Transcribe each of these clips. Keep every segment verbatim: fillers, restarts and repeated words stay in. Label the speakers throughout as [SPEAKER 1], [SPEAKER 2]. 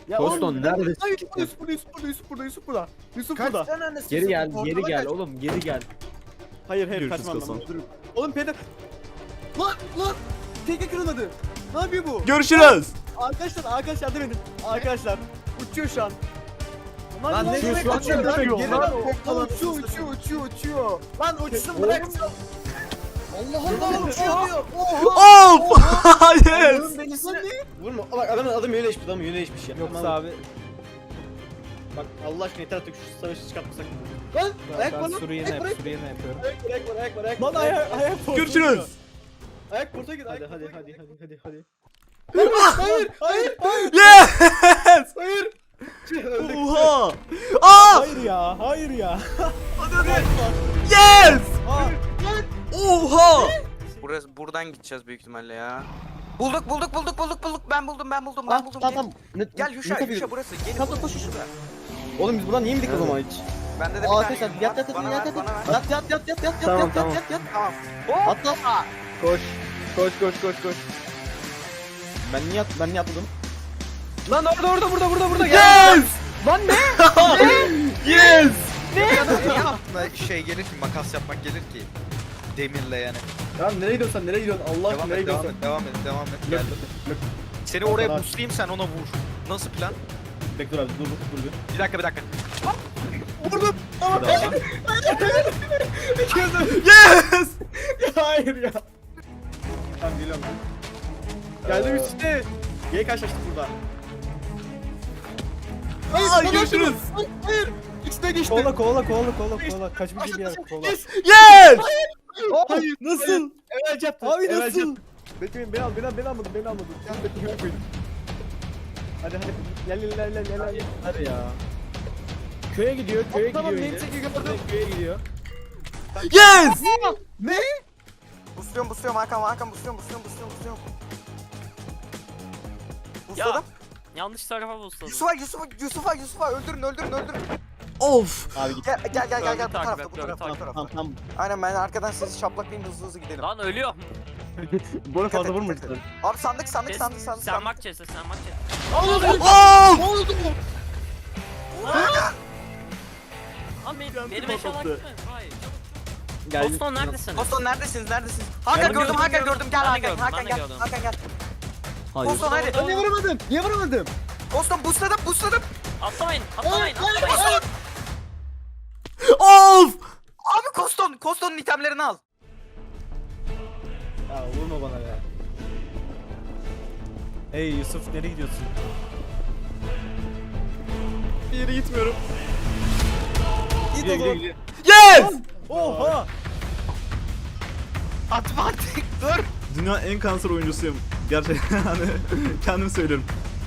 [SPEAKER 1] Ya
[SPEAKER 2] Koston
[SPEAKER 1] oğlum,
[SPEAKER 2] neredesin?
[SPEAKER 1] Hayır, Yusuf burada, Yusuf burada, Yusuf burada, Yusuf burada. Yusuf
[SPEAKER 3] Kaç
[SPEAKER 1] burada.
[SPEAKER 3] tane annesi?
[SPEAKER 2] Geri gel,
[SPEAKER 3] Portala
[SPEAKER 2] geri gel
[SPEAKER 3] kaç.
[SPEAKER 2] oğlum, geri gel.
[SPEAKER 1] Hayır hayır
[SPEAKER 2] Görüşürüz
[SPEAKER 1] kaçmam
[SPEAKER 2] Koston.
[SPEAKER 1] ben. Dur. Oğlum peder. Lan lan. Teke kırılmadı. Ne yapıyor bu?
[SPEAKER 4] Görüşürüz.
[SPEAKER 1] Arkadaşlar arkadaşlar yardım edin. Arkadaşlar uçuyor şu an.
[SPEAKER 3] Lan ne
[SPEAKER 1] uçuyor
[SPEAKER 3] demek
[SPEAKER 1] şu an?
[SPEAKER 3] uçuyor lan?
[SPEAKER 1] Uçuyor.
[SPEAKER 3] Geri
[SPEAKER 1] Lan
[SPEAKER 3] lan,
[SPEAKER 1] o-
[SPEAKER 3] portala
[SPEAKER 1] lan uçuyor
[SPEAKER 3] uçuyor,
[SPEAKER 1] uçuyor uçuyor uçuyor.
[SPEAKER 3] Lan uçsun
[SPEAKER 1] Oğlum.
[SPEAKER 3] bırak. Allah Allah uçuyor diyor.
[SPEAKER 4] Of. Yes.
[SPEAKER 3] Allah'ın belisini.
[SPEAKER 1] Vurma. Bak adamın adım yöneleşmiş, adamın yöneleşmiş ya.
[SPEAKER 2] Yoksa abi.
[SPEAKER 1] Bak Allah aşkına yeter artık şu savaşı çıkartmasak. Lan ayak var
[SPEAKER 2] Ben
[SPEAKER 1] lan.
[SPEAKER 2] suru yine
[SPEAKER 1] Ayak var,
[SPEAKER 2] yap, suru yine yapıyorum.
[SPEAKER 1] ayak var, ayak var, ayak var, ayak
[SPEAKER 5] Lan
[SPEAKER 1] var.
[SPEAKER 5] ayak ayak portu.
[SPEAKER 4] Görüşürüz.
[SPEAKER 1] Ayak porta git.
[SPEAKER 2] Hadi
[SPEAKER 1] ayak
[SPEAKER 2] hadi
[SPEAKER 1] porta
[SPEAKER 2] hadi
[SPEAKER 1] git.
[SPEAKER 2] hadi hadi hadi.
[SPEAKER 1] Hayır, hayır, hayır,
[SPEAKER 4] Yes.
[SPEAKER 1] hayır. Öldük.
[SPEAKER 4] Oha. Aa.
[SPEAKER 5] Hayır ya, hayır ya.
[SPEAKER 4] Yes.
[SPEAKER 5] Aa,
[SPEAKER 4] Oha.
[SPEAKER 6] Burası buradan gideceğiz büyük ihtimalle ya. Bulduk bulduk bulduk bulduk bulduk. Ben buldum ben buldum ben
[SPEAKER 1] Tamam,
[SPEAKER 6] buldum.
[SPEAKER 1] tamam,
[SPEAKER 6] Gel-
[SPEAKER 1] tamam. Ne-
[SPEAKER 6] Gel
[SPEAKER 1] ne
[SPEAKER 6] Yuşa
[SPEAKER 1] yapıyorsun?
[SPEAKER 6] Yuşa burası. Gelin
[SPEAKER 1] Tamam,
[SPEAKER 6] burada,
[SPEAKER 1] koş, koş.
[SPEAKER 6] şurada.
[SPEAKER 1] Oğlum biz buradan niye indik o zaman hiç?
[SPEAKER 6] Bende de bir
[SPEAKER 1] Aa,
[SPEAKER 6] tane
[SPEAKER 1] arkadaşlar
[SPEAKER 6] yum
[SPEAKER 1] yat
[SPEAKER 6] var.
[SPEAKER 1] yat yat
[SPEAKER 6] Bana
[SPEAKER 1] yat
[SPEAKER 6] ver,
[SPEAKER 1] yat
[SPEAKER 6] bana ver.
[SPEAKER 1] yat yat yat yat yat
[SPEAKER 2] Tamam,
[SPEAKER 1] yat
[SPEAKER 2] tamam.
[SPEAKER 1] yat yat.
[SPEAKER 6] Tamam.
[SPEAKER 1] Atla. Koş. Koş koş koş koş. Ben niye at ben niye atladım? Lan orada orada burada burada burada
[SPEAKER 4] Yes.
[SPEAKER 1] Lan ne?
[SPEAKER 4] Yes.
[SPEAKER 3] Niye aklına şey gelir ki, makas yapmak gelir ki? Demirle yani.
[SPEAKER 1] Ya nereye gidiyorsun sen nereye gidiyorsun Allah aşkına
[SPEAKER 3] Devam
[SPEAKER 1] nereye
[SPEAKER 3] et, devam
[SPEAKER 1] gidiyorsun?
[SPEAKER 3] et, devam et, devam et.
[SPEAKER 1] Yok,
[SPEAKER 3] Geldim.
[SPEAKER 1] yok.
[SPEAKER 3] Seni
[SPEAKER 1] O
[SPEAKER 3] oraya
[SPEAKER 1] kadar.
[SPEAKER 3] buslayayım, sen ona vur. Nasıl plan?
[SPEAKER 1] Bekle abi dur dur dur.
[SPEAKER 3] Bir dakika, bir dakika.
[SPEAKER 4] Yes.
[SPEAKER 1] Hayır ya. Tamam geliyorum. Geldim işte. Gel karşılaştık burada.
[SPEAKER 4] Aa, görüşürüz.
[SPEAKER 1] Hayır, hayır. İçine geçti.
[SPEAKER 5] kovala kovala kovala kovala kovala. Kaçmış bir yer kovala.
[SPEAKER 1] Yes.
[SPEAKER 4] Yes.
[SPEAKER 1] Hayır.
[SPEAKER 5] Nasıl?
[SPEAKER 1] Evet yaptı.
[SPEAKER 5] Abi
[SPEAKER 1] evet
[SPEAKER 5] nasıl?
[SPEAKER 1] yaptı. Bekleyin beni al beni al beni almadın beni almadın. Sen bekleyin koydum. Hadi hadi gel gel gel gel gel. gel.
[SPEAKER 2] Hadi ya. Köye gidiyor, köye
[SPEAKER 1] Tamam,
[SPEAKER 2] gidiyor.
[SPEAKER 1] neyse
[SPEAKER 2] yine.
[SPEAKER 1] ki gördüm.
[SPEAKER 2] Köye gidiyor.
[SPEAKER 4] Yes.
[SPEAKER 1] Ne?
[SPEAKER 6] Busluyorum busluyorum Hakan Hakan busluyorum busluyorum busluyorum busluyorum. Busladım.
[SPEAKER 7] Yanlış tarafa busladım.
[SPEAKER 6] Yusuf'a Yusuf'a Yusuf'a Yusuf'a öldürün öldürün öldürün.
[SPEAKER 4] Of.
[SPEAKER 1] Abi git.
[SPEAKER 6] Gel gel gel gel gel bu
[SPEAKER 7] Takip
[SPEAKER 6] tarafta
[SPEAKER 7] et,
[SPEAKER 6] bu
[SPEAKER 7] takip
[SPEAKER 6] tarafta bu
[SPEAKER 7] et.
[SPEAKER 6] tarafta.
[SPEAKER 1] Tamam tamam.
[SPEAKER 6] Aynen ben arkadan sizi şaplaklayayım hızlı hızlı gidelim.
[SPEAKER 7] Lan ölüyorum.
[SPEAKER 1] Bunu fazla
[SPEAKER 6] Dikkat et,
[SPEAKER 1] vurma
[SPEAKER 6] dikkat
[SPEAKER 1] lütfen.
[SPEAKER 6] Abi sandık sandık
[SPEAKER 7] Kes-
[SPEAKER 6] sandık sandık.
[SPEAKER 7] Sen
[SPEAKER 6] sandık.
[SPEAKER 7] bak Chess'e sen bak Chess'e.
[SPEAKER 4] Of.
[SPEAKER 7] Lan benim, benim eşyalar gitmedi. Hayır.
[SPEAKER 1] Geldim.
[SPEAKER 7] Boston neredesiniz?
[SPEAKER 6] Boston neredesiniz neredesiniz? Hakan
[SPEAKER 7] Gördüm,
[SPEAKER 6] gördüm
[SPEAKER 7] gördüm,
[SPEAKER 6] Hakan
[SPEAKER 7] gördüm.
[SPEAKER 6] gördüm gel
[SPEAKER 7] Ben de
[SPEAKER 6] Hakan
[SPEAKER 7] gördüm,
[SPEAKER 6] Hakan
[SPEAKER 7] ben de
[SPEAKER 6] gel
[SPEAKER 7] gördüm.
[SPEAKER 6] Hakan gel.
[SPEAKER 4] Hayır.
[SPEAKER 6] Boston hadi.
[SPEAKER 1] Ben niye vuramadım? Niye vuramadım?
[SPEAKER 6] Boston busladım busladım.
[SPEAKER 7] Atlamayın, atlamayın, atlamayın.
[SPEAKER 4] Of.
[SPEAKER 6] Abi Koston Koston'un itemlerini al.
[SPEAKER 1] Ya vurma bana ya.
[SPEAKER 5] Hey Yusuf nereye gidiyorsun?
[SPEAKER 1] Bir yere gitmiyorum. Git o zaman.
[SPEAKER 4] Yes.
[SPEAKER 5] Oha!
[SPEAKER 6] Atma artık dur.
[SPEAKER 4] Dünya en kanser oyuncusuyum. Gerçekten hani kendim söylüyorum.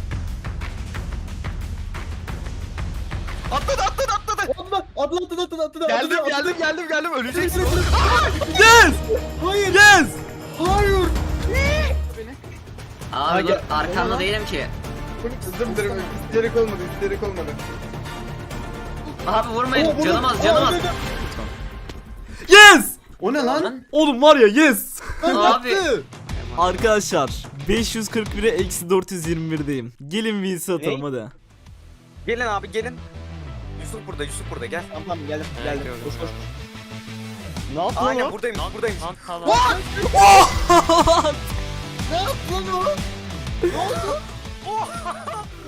[SPEAKER 6] Atladı atladı atladı.
[SPEAKER 1] Atla atla atla atla atla.
[SPEAKER 6] Geldim
[SPEAKER 1] atla,
[SPEAKER 6] geldim geldim geldim öleceksin.
[SPEAKER 4] Yes.
[SPEAKER 1] Hayır.
[SPEAKER 4] Yes.
[SPEAKER 1] Hayır.
[SPEAKER 8] Abi
[SPEAKER 1] gel-
[SPEAKER 8] arkanda
[SPEAKER 1] gel-
[SPEAKER 8] değilim ki.
[SPEAKER 1] Kızım derim. İsterik olmadı. İsterik olmadı.
[SPEAKER 8] Abi vurmayın. Canım az canım az.
[SPEAKER 4] Yes.
[SPEAKER 1] O ne lan?
[SPEAKER 4] Oğlum var ya yes.
[SPEAKER 8] Abi.
[SPEAKER 4] Arkadaşlar beş yüz kırk bire eksi dört yüz yirmi birdeyim. Gelin V C atalım
[SPEAKER 1] Ne?
[SPEAKER 4] hadi.
[SPEAKER 6] Gelin abi gelin. Yusuf burada Yusuf burada gel.
[SPEAKER 1] Tamam tamam geldim
[SPEAKER 7] Evet,
[SPEAKER 1] geldim.
[SPEAKER 7] gördüm,
[SPEAKER 1] Koş koş.
[SPEAKER 7] gördüm.
[SPEAKER 1] Ne yaptın
[SPEAKER 6] Aynen
[SPEAKER 1] lan o?
[SPEAKER 6] buradayım buradayım.
[SPEAKER 7] Lan tamam.
[SPEAKER 1] Ne yaptın lan o?